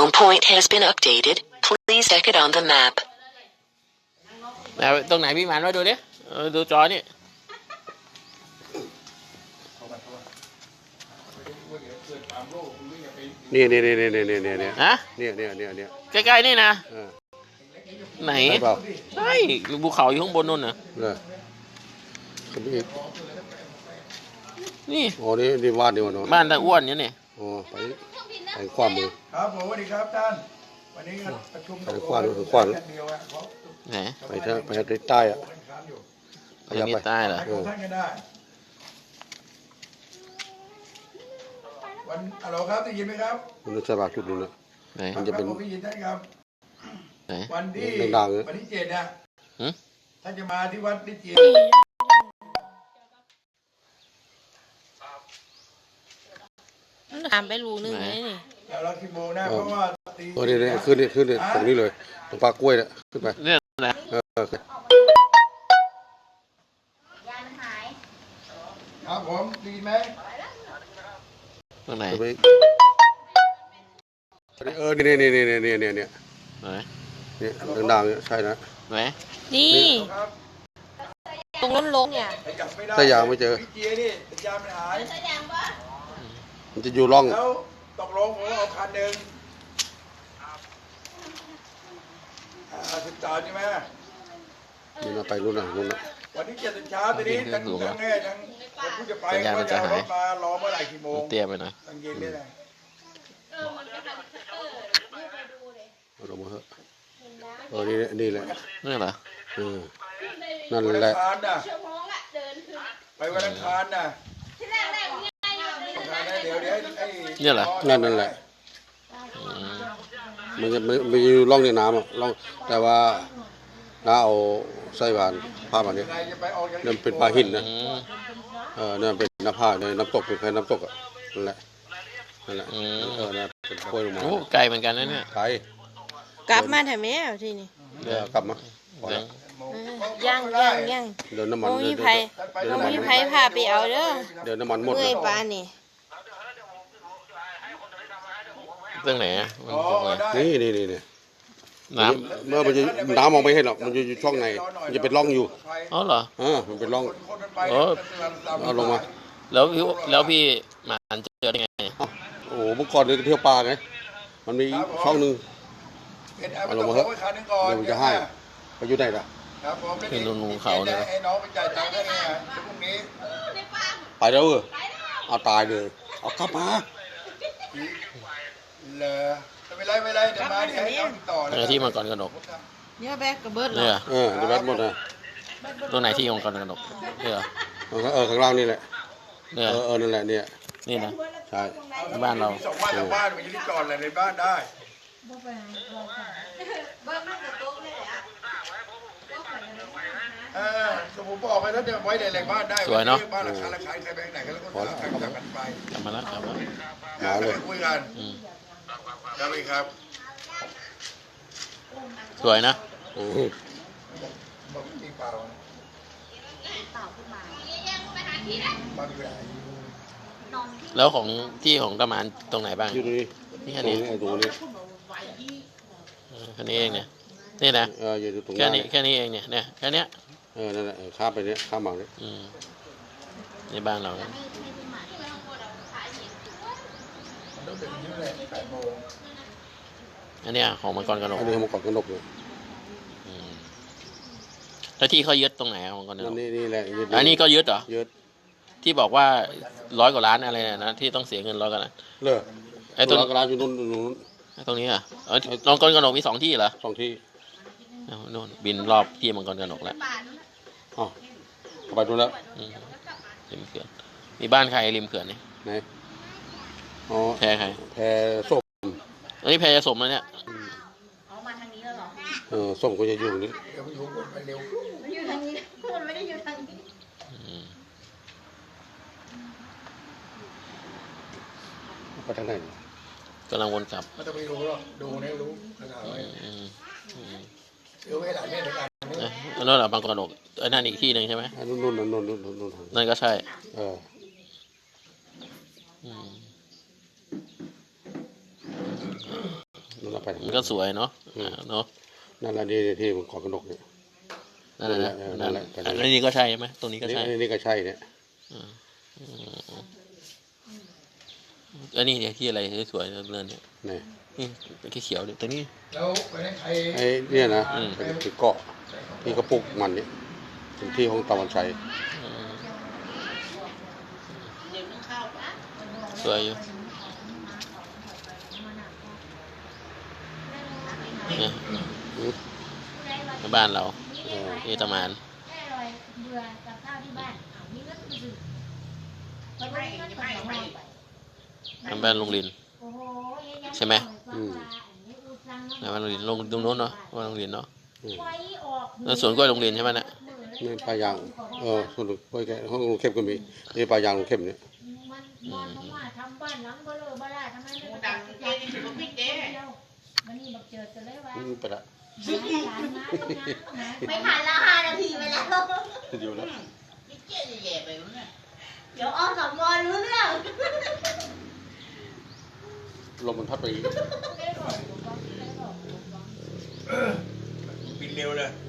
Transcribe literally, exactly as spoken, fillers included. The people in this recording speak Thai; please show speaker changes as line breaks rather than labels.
Spawn point has been updated. Please check it on the map.
แล้วตรงไหนพี่หมันมาดูดิดูจอนี่
นี่นี่นี่นี่นี่นี่นี่
ฮะ
เนี่ยเนี่ยเนี่ยเนี่ย
ใกล้ๆนี่นะไหน
ใช่เปล่า
ใช่ภูเขาอยู่ข้างบนนู่นน่ะ
เลยขึ้นไปอีก
นี่
โอ้นี่นี่วาดนี่วะเนาะ
บ้านตาอ้วนเนี่ยนี่
โอ้ไปไปขวามือ
ครับผมสวัสดีครับท่านวันนี้ประชุม
ไปขวาดูขวาดู
เดียวอะเขา
ไหน
ไปทางไปทางใต้อ่ะ
ค้านอยู่
ขยับ
มี
ไป
ใต้เหรอ
ให้ของท่านก็ได้วันฮัลโหลครับได้ยินไหมครับ
มันจะบาดจุดนึงนะ
ไหน
มันจะเป็น
ครับผมได้ยินท่านครับ
ไหน
วันที่
ดังๆเลย
วันที่เจ็ดนะ
หึ
ท่านจะมาที่วัดนิจิต
ถามไปรู้หนึ่งไหมนี่
แล้วเรากี่โมงนะเพราะว่าตี
เออนี่นี่ขึ้นนี่ขึ้นนี่ตรงนี้เลยตรงปลากล้วยเนี่ยขึ้นไป
เนี่ยนะ
เออเออ
ครับผมได้ยินไหม
ตรงไหน
ขึ้นไปเออนี่นี่นี่นี่นี่นี่นี่
ไหน
นี่ดังๆเนี่ยใช่นะ
ไหน
นี่
ครับ
ตรงล้นลงเนี่ย
ไปจับไม่ได้
ถ้ายางไม่เจอ
พี่เจียนี่สัญญาณมันหาย
มันจะอยู่ร่อง
แล้วตกลงผมเอาคันหนึ่งอ่าสิบสามใช่ไหม
นี่นะไปรุ่นน่ะรุ่นน่ะ
วันที่เจ็ดตอนเช้าทีนี้ทั้งทั้งแง่ทั้งคนผู้จะไป
สัญญาณมันจะหาย
รถมารอเมื่อไหร่กี่โมง
เตี้ยไปหน่อย
ตั้งเย็นได้เลย
เอาลงมาเถอะเออนี่นี่แหละ
นี่เหรอ
เออนั่น
วัน
แห
อั
ละ
งคารน่ะไปวันอังคารน่ะเดี๋ยวเดี๋ยวไอ้
เนี่ยเหรอ
นั่นนั่นแหละ
อืม
มันจะมันมันจะอยู่ร่องในน้ำอ่ะร่องแต่ว่าน้าเอาไส้หวานผ้ามาเนี่ย
ใครจะไปออกจาก
นั่นเป็นปลาหินนะ
อืม
เออนั่นเป็นน้ำผ้าในน้ำตกเป็นแค่น้ำตกอ่ะนั่นแหละนั่นแหละ
อืม
เออนั่นเป็นกล้วยลงมา
โอ้ไกลเหมือนกันนะเนี่ย
ไกล
กลับมาแถวแม่ที่นี่
เดี๋ยวกลับมาพอ
เดี๋
แล้
ยว ว
เออย่างย่างย่าง
เดินน้ำมัน
โอ้
เดิ
มี
น
ไผ
เดิน
โอ้
น้ำมัน
มีไผพาไปเอาเด้อ
เดินน้ำมันหมด
เมื่
เล
อย
ย
ปานนี่
ตรงไหนอะมัน
อ๋อ
ตรงไหน
ได้
นี่นี่นี่นี่
น้
เมื่อมันจะน้ำมองไม่เห็นหรอกมันจะอยู่ช่องในมันจะเป็นร่องอยู่
ำอ๋อเหรอ
เออมันเป็นร่อง
คนมันไป
โอ้
เอาลงมา
แล้วพี่แล้วพี่หมันเจอได้ไง
อ้าวโอ้โหเมื่อก่อนเนี่ยเที่ยวปลาไงมันมีช่องหนึ่ง
เอาลงมาเถอะคันนึงก่อน
เดี๋ยวมันจะให้ไปอยู่ไหนล่ะ
ครับผม
เป็นนูนๆเขาเนี่ย
ให้น้องไปจ่ายตังค์ได้ไงเดี๋ยวพรุ่งนี้
ไปแล้วเออเอาตายเลยเอากลับมา
เหรอไม่เป็นไรไม่เป็นไรเดี๋ยวมาเดี๋ยวให้น้องติดต่อ
ตรงไหนที่มังกรกระดก
เนี่ยแบกกระเบิด
เนี่ยเหรอ
เออเดี๋ยวแบตหมดนะ
ตรงไหนที่มังกรกระดกเนี่ยเหรอ
เออเออข้างล่างนี่แหละ
เนี่ย
เออเออนั่นแหละเนี่ย
นี่นะ
ใช่
บ้านเรา
สองบ้านสองบ้านมันอยู่ที่จอดอะไรในบ้านได้เออสมมติบอกไปแล้วเดี๋ยวไว้ในแหล่งบ้านได้
สวยเนอะ
บ้านราคาราคาใครแบงค์ไหนกันแล้วก็ใครกลับกันไป
กลับมาแล้วกลับมา
มาเลย
คุยกัน
อืม
ได้ไหมครับ
สวยนะ
อือ
บอกจริงเปล่าบ้านอยู่ไหน
แล้วของที่ของตะหมานตรงไหนบ้าง
อยู่ตรงนี้
นี่
ต
แค่
รง
นี้
นี้ไอ้ตรงนี้
เออแค่นี้เองเนี่ยนี่นะ
เอออยู่ตรง
แค่
นั้น
นี้แค่นี้เองเนี่ยเนี่ยแค่เนี้ย
เออนั่นแหละเออข้ามไปเนี่ยข้ามมาเนี่ย
อืมในบ้านเราเนี่ย
มันต้องเป็นที่ไหนแปดโมง
อันเนี้ยของมังกรกระดก
อันนี้เขามาเกาะกระนกเนี่ย
อืมแล้วที่เขายึดตรงไหนอะมังกรกระด
นั่น
ก
นี่นี่แหละยึด
อันนี้ก็ยึดเหรอ
ยึด
ที่บอกว่าร้อยกว่าล้านอะไรเนี่ยนะที่ต้องเสียเงินร้อยกว่าล้าน
เลิก
ไอ้ตรง
กระลาอยู่นู่นนู่น
ตรงนี้อ่ะเออมังกรกระดกมีสองที่เหรอ
สองที่
เอานู่นบินรอบที่มังกรกระดกแล้ว
อ๋อไปดูแล้ว
อืมริมเขื่อนมีบ้านใครริมเขื่อนนี่
ไหนอ๋อ
แพใคร
แพส้ม
อันนี้แพจะสมแล้วเนี่ย
เออส้มก็จะอยู่ตรงนี้
เดี๋ยวมันอยู่คนไปเร็ว
อืม
ไปทางไหน
กำลังวนกลับ
ไม่ต้องไปรู้หรอกดูเนี่ยรู้ขนาดไหน
อืมอืม
ซื้อไว้หลายเล่มในการนี้
นะอันนั่นแหละบางกระดกไอ้นั่นอีกที่หนึ่งใช่ไหม
อ่ะนู่นนู่นนู่นนู่นนู่นนู่นนู่น
นั่นก็ใช่
เออ
อืม
นั่นเราไปทาง
มันก็สวยเนาะอ่าเนาะ
นั่นแหละนี่ที่มันขอบกระนกเนี่ย
นั่นแหละนะ
นั่
นั่
น
น
แห
แห
ละ
ละ
ก็นั่นแหละ
อันนี้ก็ใช่ใช่ไหมตรงนี้ก็
นี่
ใช่
นี่ก็ใช่เนี่ย
อืมอืมอันนี้เนี่ยที่อะไรสวยๆเลื่อนเนี่ย
นี่
นี่เขียวๆเนี่ยตัวนี้
แล้วไปให้ใคร
ไอ้เนี่ยนะ
อืม
เป็นคือเกาะที่กระปุกมันเนี่ยเป็นที่ของตะวันชัย
อืมสวยอยู่เนี่ย
อืม
ในบ้านเรา
เออ
นี่ตะมาน
แม่อร่อยเบื่อกับข้าวที่บ้านเอามีเงินซื้อไปไม่เงินไปไม่ไป
ในบ้านลุงลิน
โอ้โห
ใช่ไหม
อืม
ในบ้านลุงลินลงตรงโน้นเนาะบ้านลุงลินเนาะ
ไฟออก
แล้วสวนกล้วยลุงลินใช่ไหมเนี่ย
นี่ปลายางเออส่วนลูกกล้วยแกห้องลุงเข้มก็มีนี่ปลายางลุงเข้มเนี่ย
มันมันเพราะว่าทำบ้านหลังเบลอเบล่าทำไมไม่
ดังเจนี่ถือว่าพี่เด้
มันนี่บักเจิดกันเลยว่า
อืมไปละ
ไม่ผ่านแล้วห้านาทีไปแล้ว
อยู่แล้ว
พี่เจ๊แย่ไปมั้งเนี่ย
เดี๋ยวอสมรู้เรื่อง
ลมมันพัดไปอีก
บินเร็วเลย
อ